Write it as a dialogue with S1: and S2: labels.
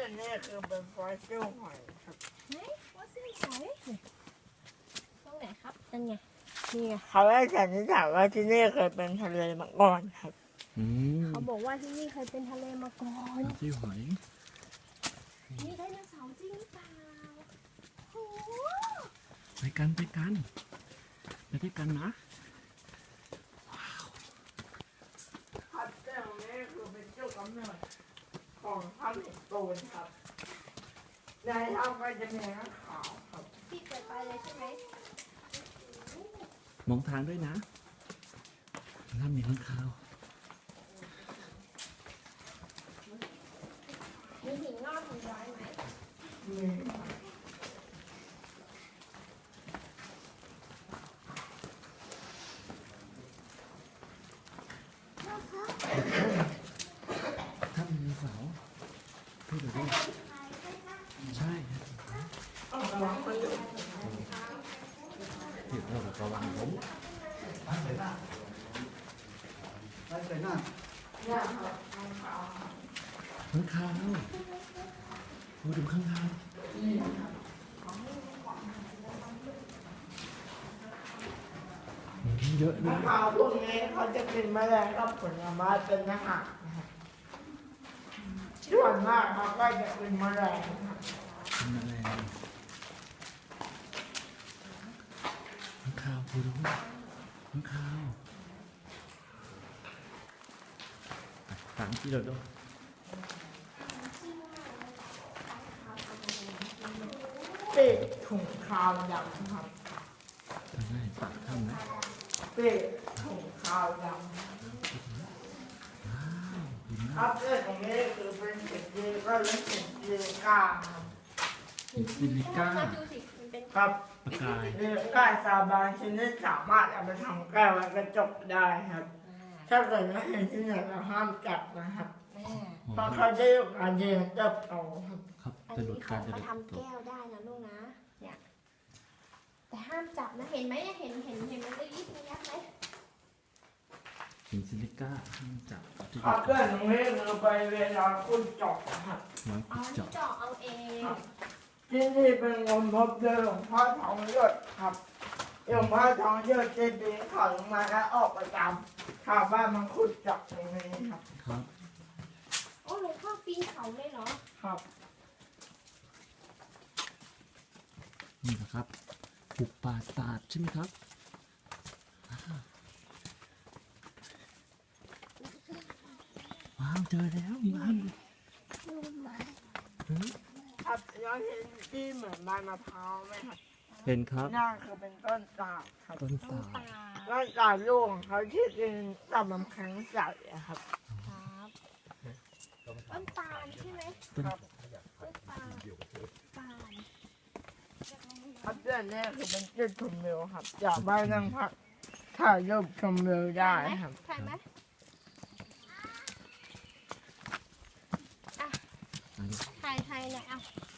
S1: อันนี้คือเป็นฟอสซิลหอยครับ
S2: ไหนฟอสซิลหอยตรงไหนครับนั่นไงนี่ไง
S1: เขาได้สันนิษฐานว่าที่นี่เคยเป็นทะเลมาก่อนครับ
S2: เขาบอกว่าที่นี่เคยเป็นทะเลมาก่อน
S3: ที่หอย
S2: มีไดโนเสาร์จริงหรือเปล่าโอ้
S3: ไปกันไปด้วยกันนะ
S1: ครับเจ้านี้คือเป็นเจ้ากำเนิดของถ้ำหินปูนครับในถ้ำก็จะมีน้ำขาวครับ
S2: พี่เปิดไปเลยใช่ไหม
S3: มองทางด้วยนะน้ำมีข้างคาว
S2: มีหินงอกหินย้อยไหม
S1: มี
S3: ถ้ามีเสาพี่ดูดิใช่ที่เราระวังผมข้างคาวดูข้างคาวเยอะเลย
S1: ขาวพวกนี้เขาจะเป็นแมลงกับผลไม้เป็นอาหารนะครับส่วนมากเขาก็จะเป็นแมลงครับ
S3: เป็นแมลงข้างคาวดูข้างคาวตามที่เราดู
S1: เป็ดถุงขาวดำครับ
S3: ทำไงปากทำนะ
S1: เป็ดถุงขาวดำครับเรื่องของนี้คือเป็นเห็ดยีก็เรียกเห็ดยีก้าครับ
S3: เห็ดซิลิก้า
S2: ดูสิมันเป็น
S1: ครับ
S3: ปากกาย
S1: ยีก้าซาบานชนิดสามารถเอาไปทำแก้วและกระจกได้ครับ ถ้าเกิดว่าเห็นที่ไหนเราห้ามจับนะครับเพราะเขาจะอยู่การเรียนเติบโตครับ
S3: ครับ
S2: อัน
S3: จะหลุ
S2: นี้
S3: ด
S2: เขา
S3: การจะหลุด
S2: ทำแก้วได้นะลูกนะเนี่ยแต่ห้ามจับนะเห็นไหมเห็นมันได้ยิบยับไหม
S3: เห็นซิลิก้าห้ามจับที่
S1: ครับเรื่องของนี้คือไปเวลาคุณเจาะครับ
S3: น้อย
S2: อ๋อ
S3: ขุดเจาะ
S2: เจาะเอาเอง
S1: ที่นี่เป็นงมพบเจอหลวงพ่อทองหยดครับหลวงพ่อทองหยดจะปีนเขาลงมาแล้วออกประจำชาวบ้านมันขุดเจาะตรงนี้ครับ
S3: ครับ
S2: โอ้หลวงพ่อปีนเขาเลยเหรอ
S1: ครับ
S3: นี่นะครับปลูกป่าศาสตร์ใช่ไหมครับว้าวเจอแล้วบ้าน
S1: ครับแล้วเห็นที่เหมือนใบมะพร้าวไหมครับ
S3: เห็นครับ
S1: นั่นคือเป็นต้นตาลครับ
S3: ต้นสา
S2: ตา
S1: ต้นตาลลูกของเขาที่เป็นต่อมน้ำแข็งใสอะครับ
S2: ครับต้นตาลใช่ไหม
S3: ต้น
S2: ต้นตาลตาล
S1: ครับเรื่องนี้คือเป็นจุดชมวิวครับจากบ้านนั่งพักถ่ายรูปชมวิวได้ครับ
S2: ใช่ไหมอ่ะถ่ายหน่อยอ่ะ